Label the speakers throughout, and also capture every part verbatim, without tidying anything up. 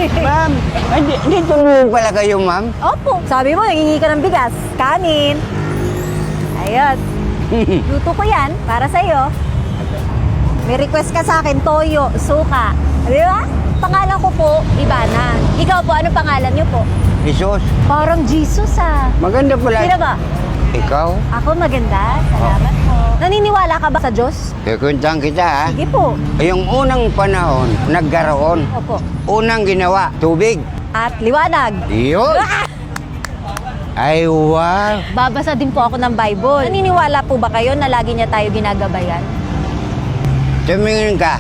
Speaker 1: Ma'am, hindi, hindi tulungan pala kayo, ma'am.
Speaker 2: Opo. Sabi mo, nangingi ka ng bigas. Kanin. Ayun. Luto ko yan para sa'yo. May request ka sa akin, toyo, suka. Di ba? Pangalan ko po, Ivana. Ikaw po, ano pangalan niyo po?
Speaker 1: Jesus,
Speaker 2: Parang Jesus ah.
Speaker 1: maganda pala.
Speaker 2: Sino ba?
Speaker 1: Ikaw?
Speaker 2: Ako maganda. Salamat po. Naniniwala ka ba sa Diyos?
Speaker 1: Kukuntahan kita, ha?
Speaker 2: Sige po.
Speaker 1: Yung unang panahon, nagkaroon.
Speaker 2: Opo.
Speaker 1: Unang ginawa, tubig.
Speaker 2: At liwanag.
Speaker 1: Yun. Ay, wow.
Speaker 2: Babasa din po ako ng Bible. Naniniwala po ba kayo na lagi niya tayo ginagabayan?
Speaker 1: Tumingin ka.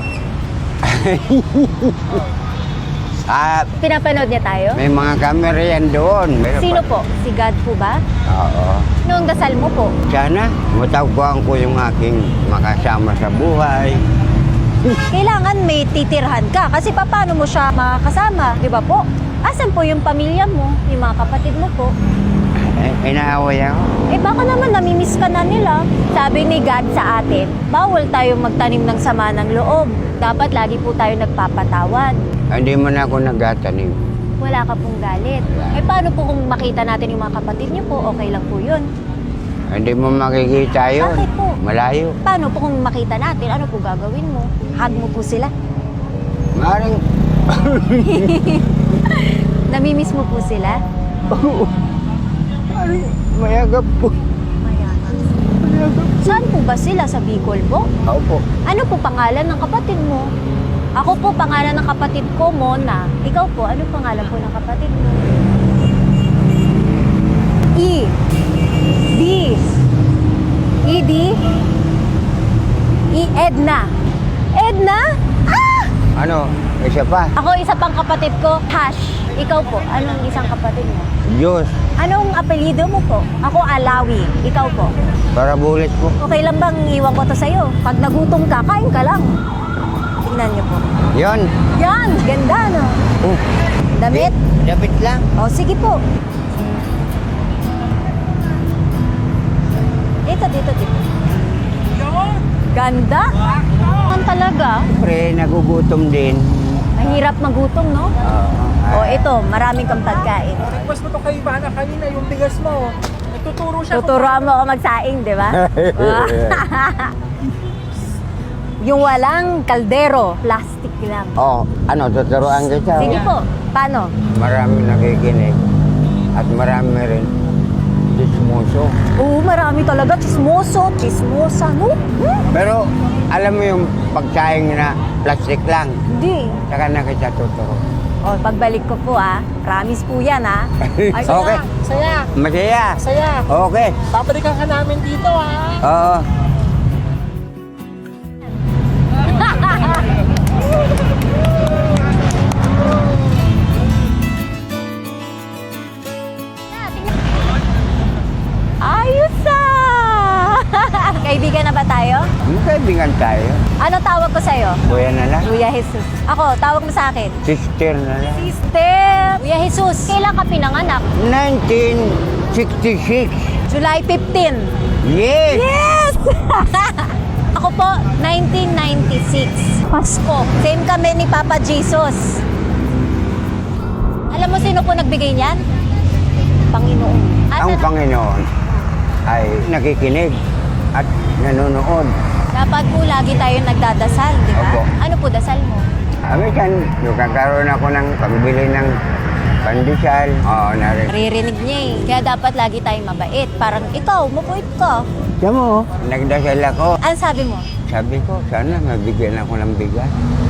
Speaker 1: Ah,
Speaker 2: Pinapanood niya tayo?
Speaker 1: may mga camera yan doon. Meron
Speaker 2: Sino
Speaker 1: pa-
Speaker 2: po? Si God po ba?
Speaker 1: Oo.
Speaker 2: Noong dasal mo po?
Speaker 1: Sana, matagpuan ko yung aking makasama sa buhay.
Speaker 2: Kailangan may titirhan ka kasi paano mo siya makakasama, di ba po? Asan po yung pamilya mo, yung mga kapatid mo po?
Speaker 1: Eh, inaaway ako.
Speaker 2: Eh baka naman namimiss ka na nila. Sabi ni God sa atin, bawal tayong magtanim ng sama ng loob. Dapat lagi po tayo nagpapatawad.
Speaker 1: Hindi mo na ako nagtatanim.
Speaker 2: Wala ka pong galit. Eh paano po kung makita natin yung mga kapatid niyo po, okay lang po yun.
Speaker 1: Hindi mo makikita yun.
Speaker 2: Bakit po?
Speaker 1: Malayo.
Speaker 2: Paano po kung makita natin, ano po gagawin mo? Hug mo po sila.
Speaker 1: Maring,
Speaker 2: Namimiss mo po sila?
Speaker 1: maring, mayagap po.
Speaker 2: Mayaman. Saan po ba sila? Sa Bicol po?
Speaker 1: Ako po.
Speaker 2: Ano po pangalan ng kapatid mo? Ako po, pangalan ng kapatid ko, Mona. Ikaw po, ano pangalan po ng kapatid mo? E. D. E. D. E. Edna. Edna? Ah!
Speaker 1: Ano, isa pa?
Speaker 2: Ako, isa pang kapatid ko, Hash. Ikaw po, anong isang kapatid mo?
Speaker 1: Diyos,
Speaker 2: Anong apelyido mo po? Ako, Alawi. Ikaw po?
Speaker 1: para bulit po.
Speaker 2: Okay lang bang iwan ko to sa'yo? Pag nagutom ka, kain ka lang. Tingnan niyo po.
Speaker 1: Yon.
Speaker 2: Yan! Ganda, no?
Speaker 1: Oh,
Speaker 2: Damit?
Speaker 1: Dapat lang.
Speaker 2: O, sige po. Dito, dito, dito. Ganda? Ang talaga.
Speaker 1: Pre, nagugutom din.
Speaker 2: Mahirap magutom, no?
Speaker 1: Oo.
Speaker 2: O, ito, maraming kang pagkain.
Speaker 3: Request mo to kay Ivana kanina, yung bigas mo. Nagtuturo siya.
Speaker 2: Tuturuan mo ako magsaing, di ba? Yung walang kaldero, plastic lang.
Speaker 1: Oh, ano, tuturuan kita.
Speaker 2: Sige po. Paano?
Speaker 1: Marami nakikinig. At marami rin dismuso.
Speaker 2: Oo, marami talaga. Chismoso, chismosa, no? Hmm?
Speaker 1: Pero, alam mo yung pagsaing na plastic lang.
Speaker 2: Hindi.
Speaker 1: Saka na kita tuturo.
Speaker 2: O, pagbalik ko po, ah. Promise po yan, ah. Ay,
Speaker 1: Okay.
Speaker 3: Saya,
Speaker 1: Masaya.
Speaker 3: saya.
Speaker 1: Okay.
Speaker 3: Babalikan ka namin dito, ha?
Speaker 1: Oo.
Speaker 2: Ayos ah! Kaibigan na ba tayo?
Speaker 1: Magkaibigan tayo.
Speaker 2: Ano tawag ko sa'yo?
Speaker 1: Kuya na lang.
Speaker 2: Kuya Jesus. Ako, tawag mo sa akin.
Speaker 1: Sister na lang.
Speaker 2: Sister! Kuya Jesus, kailan ka pinanganak?
Speaker 1: nineteen sixty-six.
Speaker 2: July fifteenth.
Speaker 1: Yes!
Speaker 2: Yes! Ako po, nineteen ninety-six. Pasko. Same kami ni Papa Jesus. Alam mo sino po nagbigay niyan? Panginoon.
Speaker 1: Ang
Speaker 2: Asan-
Speaker 1: Panginoon ay nakikinig at nanonood.
Speaker 2: Dapat po lagi tayo nagdadasal, di ba?
Speaker 1: Opo.
Speaker 2: Ano po dasal mo?
Speaker 1: Amitan, nagkakaroon ako ng pambili ng pandesal. Oo, narin.
Speaker 2: Naririnig niya eh. Kaya dapat lagi tayong mabait. Parang ikaw, mabait ka.
Speaker 1: Tiyan mo, nagdasal ako.
Speaker 2: Ano sabi mo?
Speaker 1: Sabi ko, sana mabigyan ako ng bigas.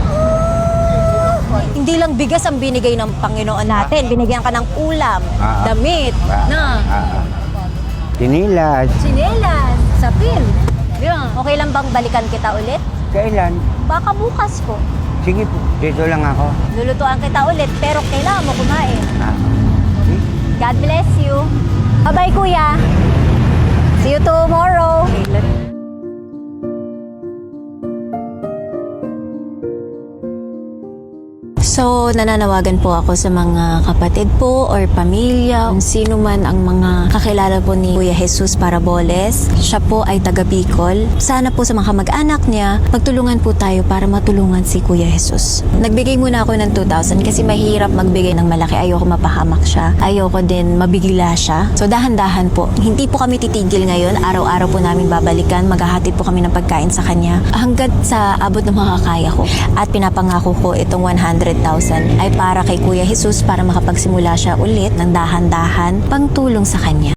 Speaker 2: Hindi lang bigas ang binigay ng Panginoon natin. Binigyan ka ng ulam,
Speaker 1: Ah.
Speaker 2: damit,
Speaker 1: Ah,
Speaker 2: na,
Speaker 1: ah, ah. Tinilas.
Speaker 2: sinelas, sapin. Yeah. Okay lang bang balikan kita ulit?
Speaker 1: Kailan?
Speaker 2: Baka bukas po.
Speaker 1: Sige po, dito lang ako.
Speaker 2: Lulutuan kita ulit, pero kailangan mo kumain.
Speaker 1: Ah. Okay.
Speaker 2: God bless you. Bye-bye, kuya. See you tomorrow.
Speaker 4: So, nananawagan po ako sa mga kapatid po or pamilya, kung sino man ang mga kakilala po ni Kuya Jesus Paraboles. Siya po ay taga Bicol. Sana po sa mga kamag-anak niya, magtulungan po tayo para matulungan si Kuya Jesus. Nagbigay muna ako ng two thousand kasi mahirap magbigay ng malaki. Ayoko mapahamak siya. Ayoko din mabigla siya. So, dahan-dahan po. Hindi po kami titigil ngayon. Araw-araw po namin babalikan. Maghahatid po kami ng pagkain sa kanya hanggat sa abot ng mga kaya ko. At pinapangako ko itong one hundred thousand ay para kay Kuya Jesus para makapagsimula siya ulit ng dahan-dahan pangtulong sa kanya.